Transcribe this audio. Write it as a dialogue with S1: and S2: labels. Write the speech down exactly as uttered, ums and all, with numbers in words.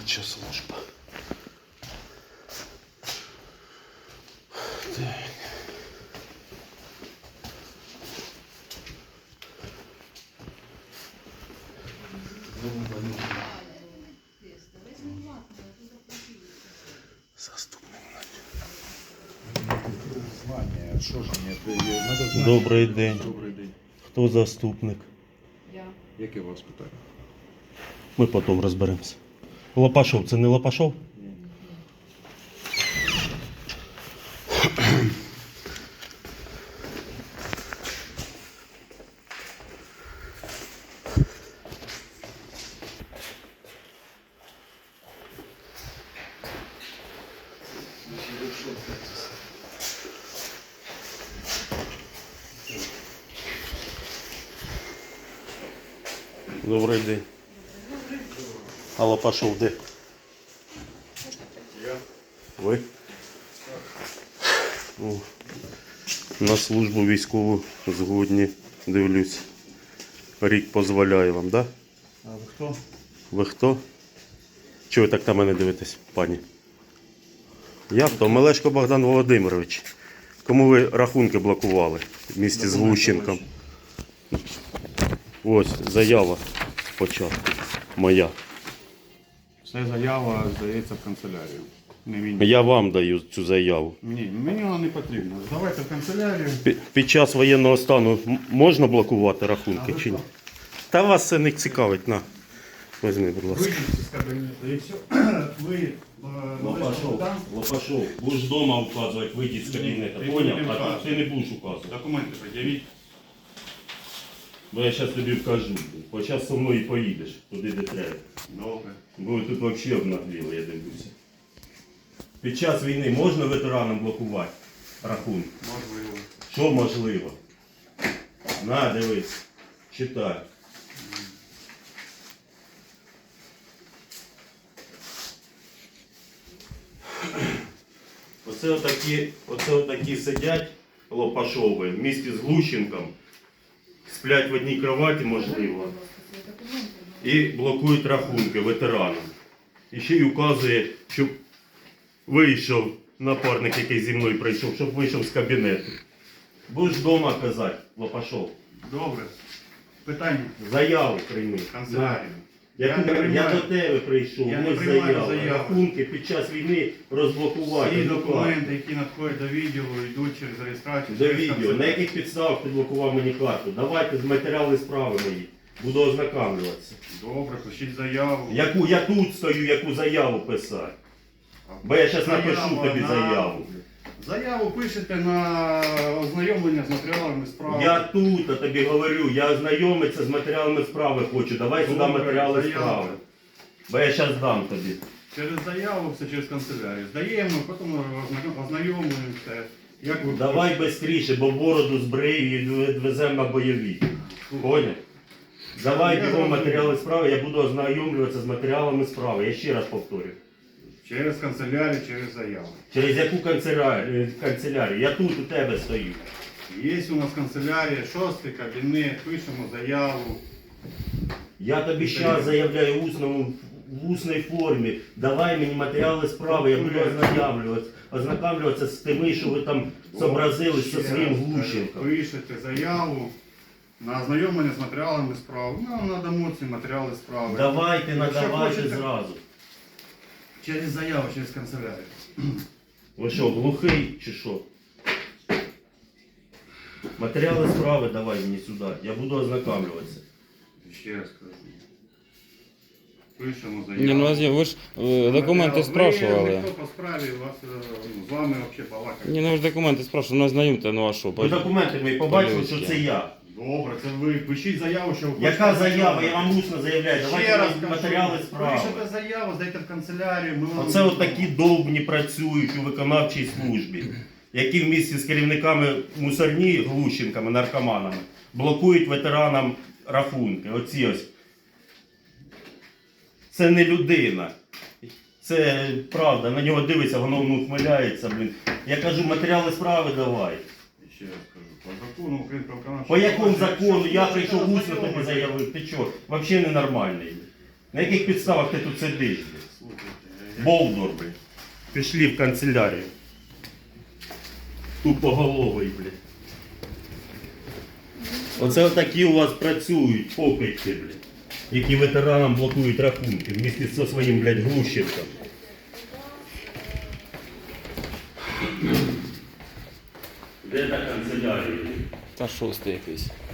S1: Виконавча служба. Так. Заступник.
S2: Що ж мені? Надо знати.
S1: Добрий день.
S2: Добрий день.
S1: Хто заступник?
S3: Я.
S2: Яке у вас питання?
S1: Ми потім розберемося. Лопашов, це не Лопашов?
S2: Ні.
S1: Добрий день. А Лопашов де?
S2: Я.
S1: Ви? О, на службу військову згодні, дивлюсь. Рік дозволяє вам, так? Да?
S2: А ви хто?
S1: Ви хто? Чого ви так на мене дивитесь, пані? Я хто? Мелешко Богдан Володимирович. Кому ви рахунки блокували в місті з Глущенком? Ось заява спочатку. Моя.
S2: Це заява, здається, в канцелярію. Не мені.
S1: Я вам даю цю заяву.
S2: Ні, мені вона не потрібна. Давайте в канцелярію.
S1: Пі- Під час воєнного стану м- можна блокувати
S2: А
S1: рахунки
S2: ви
S1: чи ні?
S2: хто?
S1: Та вас це не цікавить, на. Візьми, будь ласка.
S2: Вийдіть з кабінету і все. Ви е,
S1: Лопашов,
S2: там
S1: Лопашов, будеш вдома вказувати, вийдіть з кабінету,
S2: Ні,
S1: поняв?
S2: ти не
S1: А тут
S2: вказуй.
S1: ти не будеш указувати.
S2: документи пред'явіть.
S1: Бо я зараз тобі вкажу. Бо зараз зі мною поїдеш туди, де треба.
S2: Добре.
S1: Бо ви тут взагалі обнагліли, я дивлюся. Під час війни можна ветеранам блокувати рахунки?
S2: Можливо.
S1: Що можливо? На, дивись, читай. Оце отакі, оце отакі сидять Лопашови в місті з Глущенком, сплять в одній кроваті, можливо, і блокують рахунки ветеранам. І ще й указує, щоб вийшов напарник, який зі мною прийшов, щоб вийшов з кабінету. Будеш вдома казати, Лопашов.
S2: Добре. Питання.
S1: Заяву прийми.
S2: Канцелярію.
S1: Я,
S2: Я не
S1: я,
S2: приймаю.
S1: до тебе прийшов,
S2: Я не
S1: ось
S2: приймаю
S1: заява.
S2: заяву.
S1: Рахунки під час війни розблокувати.
S2: Всі
S1: Адвокат.
S2: документи, які надходять до відділу, йдуть через реєстрацію.
S1: До
S2: через
S1: відео.
S2: канцелярію.
S1: На яких підставах ти блокував мені карту? Давайте з матеріали справи мої. Буду ознакомлюватися.
S2: Добре, пишіть заяву.
S1: Яку я тут стою, яку заяву писати. Бо я зараз напишу тобі
S2: на-
S1: заяву.
S2: Заяву пишете на ознайомлення з матеріалами справи.
S1: Я тут, а тобі говорю, я ознайомитися з матеріалами справи хочу. Давай сюди
S2: Добре,
S1: матеріали
S2: заяву.
S1: справи. Бо я зараз дам тобі.
S2: Через заяву, все через канцелярію. Здаємо, потім озна- ознайомлюємося. Як ви
S1: Давай швидше, бо бороду збрию і відвеземо на бойові. Поняв? Давай
S2: Я
S1: бігом
S2: зрозумів.
S1: матеріали справи, я буду ознайомлюватися з матеріалами справи. Я ще раз повторю.
S2: Через канцелярію, через заяву.
S1: Через яку канцелярію? канцелярію? Я тут у тебе стою.
S2: Є у нас канцелярія, шостий кабінет, пишемо заяву.
S1: Я тобі зараз заявляю в усному, в усній формі. Давай мені матеріали справи, я буду ознайомлюватися, ознайомлюватися з тими, що ви там зобразили зі
S2: Ще
S1: своїм
S2: раз
S1: Глущенком.
S2: кажу, Пишете заяву на ознайомлення з матеріалами справи. Ми вам надамо ці матеріали справи.
S1: Давайте,
S2: Якщо
S1: надавайте
S2: хочете-
S1: зразу.
S2: Через заяву, через канцелярію.
S1: Ви що, глухий чи що? Матеріали справи давай мені сюди, я буду ознайомлюватися.
S2: Ще раз кажу. Пишемо заяву.
S4: Не, ну а ви ж е, документи
S2: Ви
S4: спрашували.
S2: ніхто по справі, вас, е, ну, з вами взагалі балакати.
S4: Ні, ну ви ж документи спрашували, ну знайомте, ну а що?
S1: Ви документи мої побачили, що це я.
S2: Добре, це ви пишіть заяву, що ви
S1: Яка
S2: хочете
S1: заява? Я
S2: ознайомитися.
S1: вам усно заявляю.
S2: Ще
S1: Давайте
S2: раз
S1: мені
S2: кажу,
S1: матеріали справи.
S2: Пишете заяву, здайте в канцелярію, ми вам...
S1: Оце от такі довбні працюють у виконавчій службі, які в місті з керівниками мусорні, глущенками, наркоманами, блокують ветеранам рахунки. Оці ось. Це не людина. Це правда, на нього дивиться, воно ну, ухмиляється, блін. Я кажу, матеріали справи давай.
S2: Ще раз кажу, по закону України про виконавче
S1: По якому
S2: провадження,
S1: закону?
S2: якщо
S1: Я
S2: хочете
S1: прийшов усно тобі
S2: ознайомитися,
S1: заявив. Ти чого? Взагалі ненормальний. На яких підставах ти тут сидиш? блядь?
S2: Слухайте,
S1: Болдор, блядь. Пішли в канцелярію. Тупоголовий, блядь. Оце отакі у вас працюють покидьки, блядь. Які ветеранам блокують рахунки вместе зі своїм, блядь, Глущенком. Де та канцелярія?
S4: Та шостий якийсь.